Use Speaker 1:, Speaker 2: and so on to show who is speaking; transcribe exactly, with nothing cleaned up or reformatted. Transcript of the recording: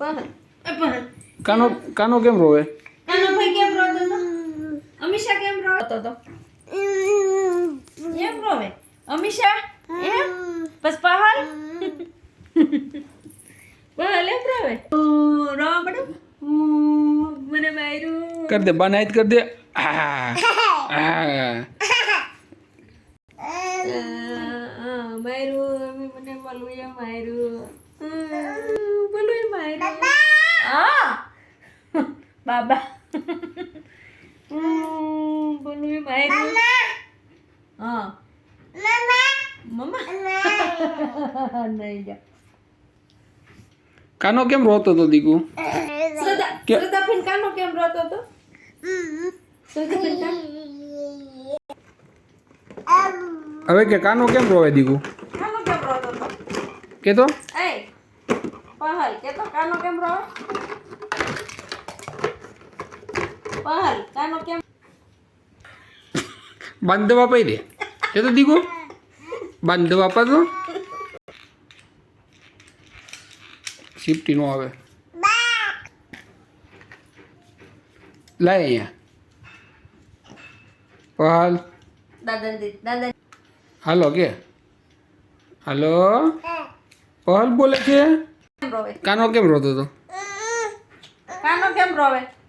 Speaker 1: પહલ એ પહલ
Speaker 2: કાનો કાનો કેમ રોવે?
Speaker 1: કાનો ભાઈ કેમ રોતો તો? અમીષા કેમ રોતો તો? એમ રોવે અમીષા એમ બસ પહલ પહલ એમ રોવે ઓ રો બડો મને માર્યું
Speaker 2: कर दे बनाइत कर दे आ, आ,
Speaker 1: માર્યું મને બલુએ માર્યું બલુએ માર્યું હા બાબા બલુએ માર્યું હા મમ્મા નહીં જા
Speaker 2: કાનો કેમ રોતો તો દીકુ?
Speaker 1: શ્રદ્ધા
Speaker 2: કે-
Speaker 1: શ્રદ્ધા ફીન કાનો કેમ રોતો તો? શ્રદ્ધા ફીન કાનો
Speaker 2: હવે કે કાનો કેમ રોવે દીકુ?
Speaker 1: કાનો કેમ રોતો તો?
Speaker 2: કે તો
Speaker 1: એ પહલ કે તો કાનો કેમ રોવે? પહલ કાનો કેમ
Speaker 2: બાંધ દવા પાઈ દે કે તો દીકુ બાંધ દવા આપા તો સિફ્ટી નો આવે લાય અહીંયા પહાલ
Speaker 1: દાદા દી દાદા
Speaker 2: હાલો કે હાલો પહાલ બોલે છે
Speaker 1: કેમ રોવે?
Speaker 2: કાનો કેમ રોતો તો?
Speaker 1: કાનો કેમ રોવે?